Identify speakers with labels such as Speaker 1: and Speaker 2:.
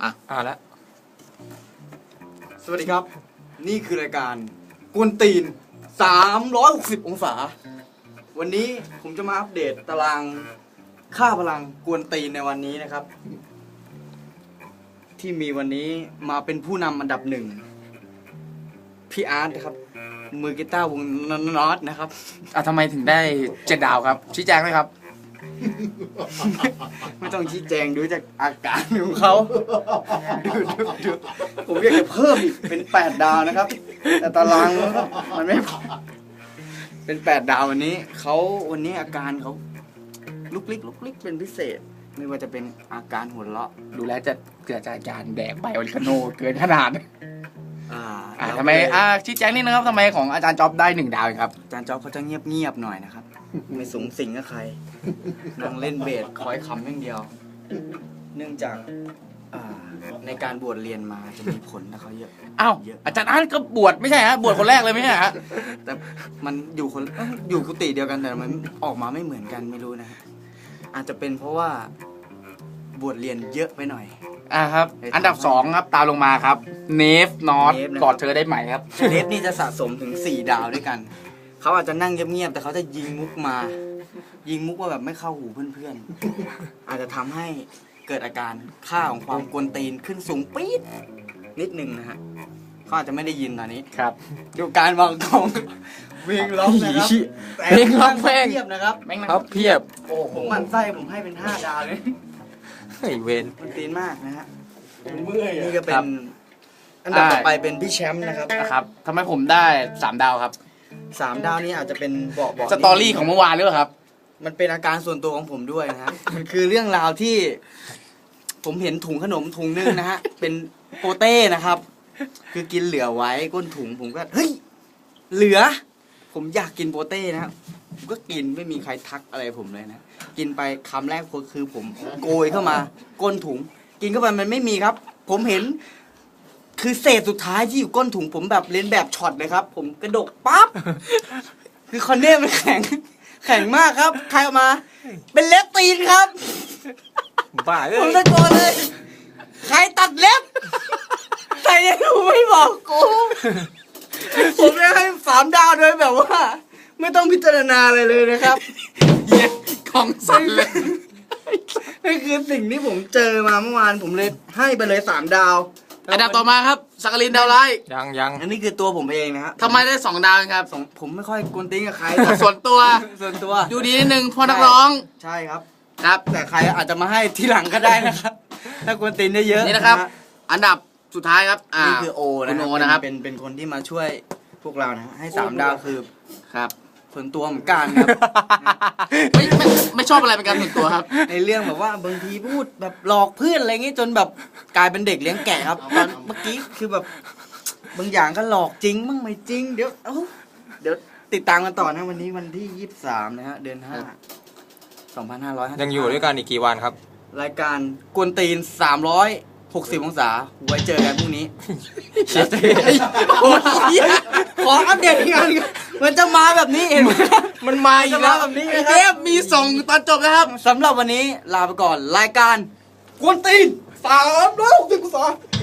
Speaker 1: แล้ว
Speaker 2: สวัสดีครับ นี่คือรายการกวนตีน360องศาวันนี้ผมจะมาอัปเดตตารางค่าพลังกวนตีนในวันนี้นะครับ ที่มีวันนี้มาเป็นผู้นำอันดับหนึ่งพี่อาร์ตนะครับมือกีตาร์วงนอตนะครับ
Speaker 1: ทำไมถึงได้7 ดาวครับชี้แจงไหมครับ
Speaker 2: ไม่ต้องชี้แจงดูจากอาการของเขาดูผมอยากจะเพิ่มอีกเป็น8 ดาวนะครับ แต่ตารางมันไม่พอเป็น8 ดาววันนี้อาการเขาลุกลิกเป็นพิเศษ ไม่ว่าจะเป็นอาการหัวเราะ
Speaker 1: ดูแล้วจะเกิดจากการแดกไบโอลิคาโนเกินขนาด
Speaker 2: แล้ว
Speaker 1: ทำไมชี้แจงนิดนะครับทำไมของอาจารย์จ๊อบได้1 ดาวเองครับ
Speaker 2: อาจารย์จ๊อบเขาจะเงียบหน่อยนะครับ ไม่สูงสิงกับใครนั่งเล่นเบสคอยคำอย่างเดียว เนื่องจากในการบวชเรียนมาจะมีผลนะเขาเยอะ
Speaker 1: อ้าวอาจารย์อาร์ตก็บวชไม่ใช่ฮะบวชคนแรกเลยไม่ใช่ฮะ
Speaker 2: แต่มันอยู่กุฏิเดียวกันแต่มันออกมาไม่เหมือนกันไม่รู้นะฮะอาจจะเป็นเพราะว่าบวชเรียนเยอะไปหน่อย
Speaker 1: ครับอันดับ2ครับตามลงมาครับเนฟนอตกอดเธอได้ไหมครับ
Speaker 2: เนฟนี่จะสะสมถึง4 ดาวด้วยกันเขาอาจจะนั่งเงียบๆแต่เขาจะยิงมุกว่าแบบไม่เข้าหูเพื่อนๆอาจจะทำให้เกิดอาการค่าของความกวนตีนขึ้นสูงปี๊ดนิดนึงนะฮะเขาอาจจะไม่ได้ยินตอนนี้
Speaker 1: ครับ
Speaker 2: ดูการวางของเวงล็อกนะครับ
Speaker 1: เพลงล็อกเพลง
Speaker 2: เทียบนะครับ
Speaker 1: ครับเพียบ
Speaker 2: โอ้ผมหมั่นไส้ผมให้เป็น5 ดาวเลย
Speaker 1: ไอเวน
Speaker 2: กวนตีนมากนะฮะ
Speaker 3: เมื่อย
Speaker 2: นี่ก็เป็
Speaker 1: ครั
Speaker 2: น
Speaker 1: บ
Speaker 2: อันดับต่อไปเป็นพี่แชมป์นะครับ
Speaker 1: นะครับทำไมผมได้3 ดาวครับ
Speaker 2: 3 ดาวนี้อาจจะเป็นบอก
Speaker 1: สตอรี่ของเมื่อวานหรือเปล่าครับ
Speaker 2: มันเป็นอาการส่วนตัวของผมด้วยนะฮะ มันคือเรื่องราวที่ ผมเห็นถุงขนมถุงนึงนะฮะ เป็นโปเต้นะครับ คือกินเหลือไว้ก้นถุงผมก็เฮ้ยเหลือ ผมอยากกินโปเต้นะครับผมก็กินไม่มีใครทักอะไรผมเลยนะกินไปคำแรกคือผมโกยเข้ามาก้นถุง กินเข้าไปมันไม่มีครับ ผมเห็น คือเศษสุดท้ายที่อยู่ก้นถุงผมแบบเลียนแบบช็อตเลยครับ ผมกระดกปั๊บคือคอนเน่มันแข็งมากครับใครออกมา เป็นเล็บตีนครับ
Speaker 1: บ้าเล
Speaker 2: ผม
Speaker 1: ย
Speaker 2: ตะโกนเลย ใครตัดเล็บใครจะรู้ไม่บอกกูผมจะให้3 ดาวโดยแบบว่า ไม่ต้องพิจารณาอะไรเลยนะครับ
Speaker 1: กองสั่นเลย
Speaker 2: นี่คือสิ่งที่ผมเจอมาเมื่อวานผมเลยให้ไปเลย3 ดาว
Speaker 1: อันดับต่อมาครับสักกลินดาวไลท์
Speaker 3: ยัง
Speaker 2: อันนี้คือตัวผมเองนะฮะ
Speaker 1: ทำไมได้2 ดาวเองครับ
Speaker 2: ผมไม่ค่อยกวนตีนกับใคร
Speaker 1: ส่วนตัว
Speaker 2: ส่วนตัว
Speaker 1: ดูดีนิดนึงพอนักร้อง
Speaker 2: ใช่ครับ
Speaker 1: ครับ
Speaker 2: แต่ใครอาจจะมาให้ทีหลังก็ได้นะครับ ถ้ากวนตีนได้เยอะ
Speaker 1: นี่นะครับ อันดับสุดท้ายครับ
Speaker 2: นี่คือโอนะ
Speaker 1: คุณโอนะครับ
Speaker 2: เป็นคนที่มาช่วยพวกเรานะฮะให้3 ดาวคือ
Speaker 1: ครับ
Speaker 2: ส่วนตัวเหมือนกันครับ
Speaker 1: ไม่ชอบอะไรเป็นการส่วนตัวครับ
Speaker 2: ในเรื่องแบบว่าบางทีพูดแบบหลอกเพื่อนอะไรเงี้ยจนแบบกลายเป็นเด็กเลี้ยงแกะครับตอนเมื่อกี้คือแบบบางอย่างก็หลอกจริงบ้างไม่จริงเดี๋ยวติดตามกันต่อนะวันนี้วันที่23นะฮะเดือน5 2555
Speaker 3: ยังอยู่ด้วยกันอีกกี่วันครับ
Speaker 2: รายการกวนตีน360องศาไว้เจอกันพรุ่งนี้ขออัปเดตอีกอันมันจะมาแบบนี้เห็นไหม
Speaker 1: มันมาอีกแล้ว
Speaker 2: แบบนี้
Speaker 1: ไอ้
Speaker 2: นะครับ
Speaker 1: เทปมีส่งตอนจบนะครับ
Speaker 2: สำหรับวันนี้ลาไปก่อนรายการกวนตีน360องศา